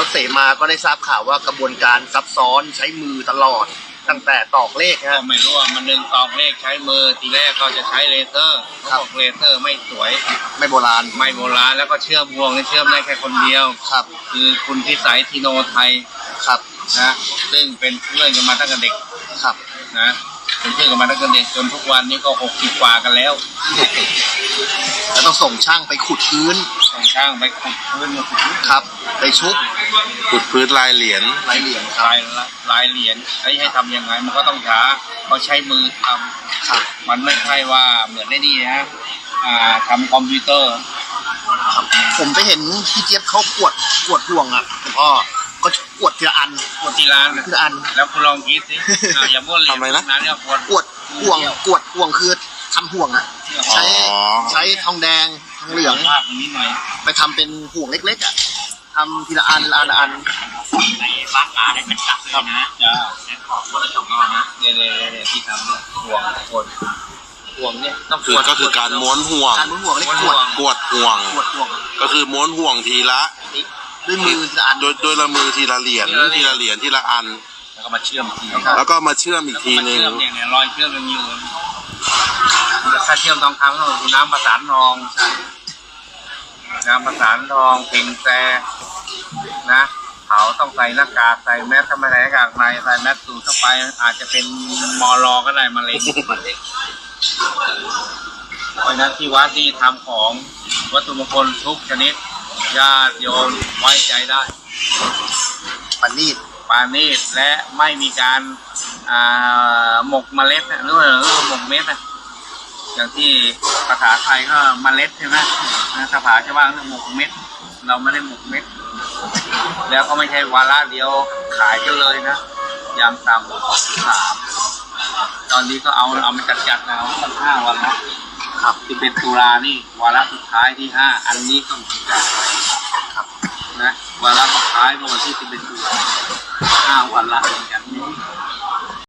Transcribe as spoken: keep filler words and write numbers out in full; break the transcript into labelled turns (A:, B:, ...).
A: เสมาก็ได้ทราบข่าวว่ากระบวนการซับซ้อนใช้มือตลอดตั้งแต่ตอกเลข
B: ก็
A: ฮะ
B: ไม่รู้ว่ามันดึงตอกเลขใช้มือทีแรกเขาจะใช้เลเซอร์เขาบอกเลเซอร์ไม่สวย
A: ไม่โบราณ
B: ไม่โบราณแล้วก็เชื่อมห่วงนี่เชื่อมได้แค่คนเดียว
A: ครับ
B: คือคุณพิสัยทีโนไทย
A: ครับ
B: นะซึ่งเป็นเพื่อนกันมาตั้งแต่เด็ก
A: ครับ
B: นะเป็นเพื่อนกันมาตั้งแต่เด็กจนทุกวันนี้ก็หกสิบกว่ากันแล้ว
A: แล้วต้องส่งช่างไปขุดพื้น
B: ต้องช่างไปขุดพื้นมาขุด
A: ครับ ไปชุบ
C: ขุดพื้นลายเหรียญ
A: ลายเหรียญครับ
B: ลายลายเหรียญไอ้ให้ทำยังไงมันก็ต้องช้าเขาใช้มือท
A: ครับ
B: ำมันไม่ใช่ว่าเหมือนได้ดีนะอ่าทำคอมพิวเตอร์
A: ครับผมไปเห็นพี่เจี๊ยบเขากวดกวดห่วงอ่ะคุณพ่อก็กวดทีละอัน
B: กดที่ร้านนะ
A: ทีละอัน
B: แล้วคุณลองคิดสิอ่าอย่าม้วนเหรียญ
C: ทำไมนะ
B: นั้นเนี่ยควร
A: กวดห่วงกวดห่วงคือทำห่วงอ่ะ ใช้
C: อ๋อ
A: ใช้ทองแดงทองเหลือง
B: ภาพตรงนี้หน่อย
A: ไปทำเป็นห่วงเล็กๆอ่ะทำทีละอันละอันละอัน
B: ในบ้านอาได้เป็นจักเลยนะจ้าแค่ขอบคนละสองรอบนะเนี่ยเนี่ยเนี่ยที่ทำเนี่ยห่วงคนห่วงเนี่ยต้อง
C: คือก็คือการม้วนห่วง
A: การม้วนห่วงเล็กกวด
C: กวดห่วง
A: กวดห่วง
C: ก็คือม้วนห่วงทีละ
A: ด้วยมือทีละอัน
C: โดยโดยละมือทีละเหรียญทีละเหรียญทีละอัน
B: แล้วก็มาเชื่อมที
A: ครับ
C: แล้วก็มาเชื่อมอีกทีหนึ่ง
B: เชื่อมเนี่ยเนี่ยรอยเชื่อมยังอยู่ถ้าเชื่อมทองคำก็คือน้ำประสานทองน้ำประสานทองเพ่งแซนะเขาต้องใส่หน้ากากใส่แมสทำไมใส่หน้ากากในใส่แมสสูดเข้าไปอาจจะเป็นมอลอก็ได้มะเร็งเพราะฉะนั้นที่วัดที่ทำของวัตถุมงคลทุกชนิดญาติโยมไว้ใจได้
A: ปานีด
B: ปานีตและไม่มีการอ่าหมกเมล็ดนะหรือว่าหรือว่าหมกเม็ดนะอย่างที่ภาษาไทยก็เมล็ดใช่ไหมนะภาษาชาวบ้านเรียกหมกเม็ด เราไม่ได้หมกเม็ด แล้วก็ไม่ใช่วาระเดียวขายกันเลยนะยามต่ำสามตอนนี้ก็เอาเอามาจัดจัดๆนะเอาตั้งห้าวันแล้วครับที่เป็นตุลานี่วาระสุดท้ายที่ห้าอันนี้ก็เหมือนกันครับนะวาระสุดท้ายเมื่อวันที่สิบเอ็ดตุลาห้าวันละเหมือนกัน